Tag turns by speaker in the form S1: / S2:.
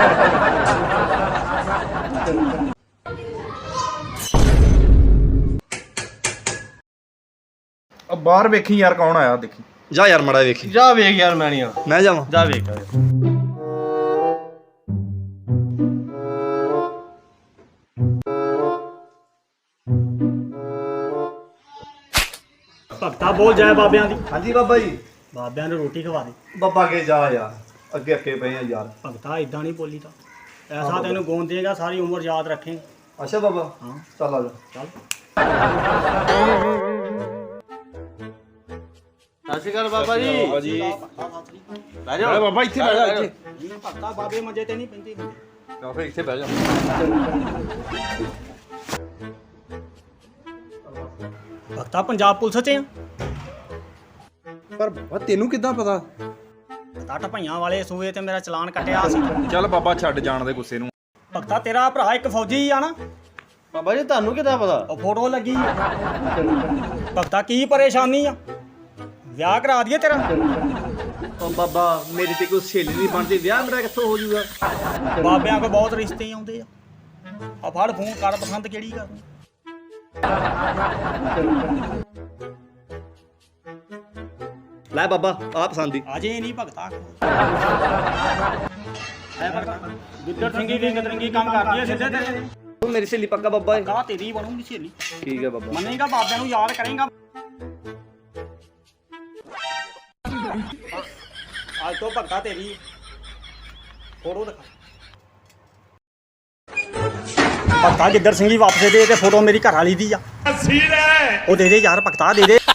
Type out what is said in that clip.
S1: बाहर वेखी यार कौन आया देखी
S2: जा यार मड़ा वेखी
S3: जा वेख यार मैं नहीं आ
S2: मैं जावां
S3: जा वेख भगता बोल जाए बाबियां दी।
S2: हाँ जी बाबा जी
S3: बाबियां ने रोटी खवा दे।
S2: बाबा के जा यार अगे अगे पे हैं यार।
S3: भगता इदा नहीं बोली था ऐसा तेन गोंद देगा सारी उम्र याद रखेंगे।
S2: अच्छा बाबा
S3: हाँ
S2: चल आ जा
S3: चल
S4: ਸਤਿ ਸ਼੍ਰੀ ਅਕਾਲ ਬਾਬਾ ਜੀ।
S3: ਬਹਿ ਜਾ
S1: बाबा इत्थे बैठ जा इत्थे
S3: ਭਗਤਾ ਬਾਬੇ ਮੰਜੇ ਤੇ ਨਹੀਂ ਪੈਂਦੇ
S1: या फिर इत्थे बैठ जा
S3: ਭਗਤਾ ਪੰਜਾਬ ਪੁਲਿਸ ਚ ਆ
S1: पर बाबा तेनू किदां पता
S3: ਟੱਟ ਭਈਆਂ ਵਾਲੇ ਸੂਏ ਤੇ ਮੇਰਾ ਚਲਾਨ ਕੱਟਿਆ ਸੀ।
S1: चल बाबा छੱਡ ਜਾਣ ਦੇ ਗੁੱਸੇ ਨੂੰ।
S3: ਭਗਤਾ ਤੇਰਾ ਭਰਾ ਇੱਕ ਫੌਜੀ ਆ ਨਾ
S4: ਬਾਬਾ ਜੀ ਤੁਹਾਨੂੰ ਕਿੱਦਾਂ ਪਤਾ?
S3: ਉਹ ਫੋਟੋ ਲੱਗੀ ਭਗਤਾ ਕੀ ਪਰੇਸ਼ਾਨੀ ਆ ਵਿਆਹ ਕਰਾ ਦਈਏ ਤੇਰਾ।
S4: ਉਹ ਬਾਬਾ ਮੇਰੀ ਤੇ ਕੋਈ ਸਹੇਲੀ ਨਹੀਂ ਬਣਦੀ ਵਿਆਹ ਮੇਰਾ ਕਿੱਥੋਂ ਹੋ ਜਾਊਗਾ?
S3: ਬਾਬਿਆਂ ਕੋਲ ਬਹੁਤ ਰਿਸ਼ਤੇ ਆਉਂਦੇ ਆ ਆ ਫੜ ਫੋਨ ਕਰ ਪਸੰਦ ਕਿਹੜੀ ਕਰਨੀ।
S4: ਲੈ ਬਾਬਾ ਆ ਪਸੰਦ ਦੀ।
S3: ਅਜੇ ਨਹੀਂ ਭਗਤਾ ਐ ਭਗਤਾ ਗਿੱਦੜ ਸਿੰਘੀ ਵੀ ਗਦਰੰਗੀ ਕੰਮ ਕਰਦੀ ਹੈ ਸਿੱਧੇ ਤੇਰੇ।
S4: ਤੂੰ ਮੇਰੀ ਸਹੇਲੀ ਪੱਕਾ ਬਾਬਾ ਹੈ।
S3: ਕਾ ਤੇਰੀ ਬਣੂਗੀ ਸਹੇਲੀ।
S4: ਠੀਕ ਹੈ ਬਾਬਾ।
S3: ਮੰਨੇਗਾ ਬਾਬਿਆਂ ਨੂੰ ਯਾਦ ਕਰੇਗਾ। ਅੱਜ ਤੋਂ ਭਗਤਾ ਤੇਰੀ ਫੋਟੋ ਦਿਖਾ। ਭਗਤਾ ਗਿੱਦੜ ਸਿੰਘੀ ਵਾਪਸ ਦੇ ਤੇ ਫੋਟੋ ਮੇਰੀ ਘਰ ਵਾਲੀ ਦੀ ਆ। ਉਹ ਦੇ ਦੇ ਯਾਰ ਭਗਤਾ ਦੇ ਦੇ।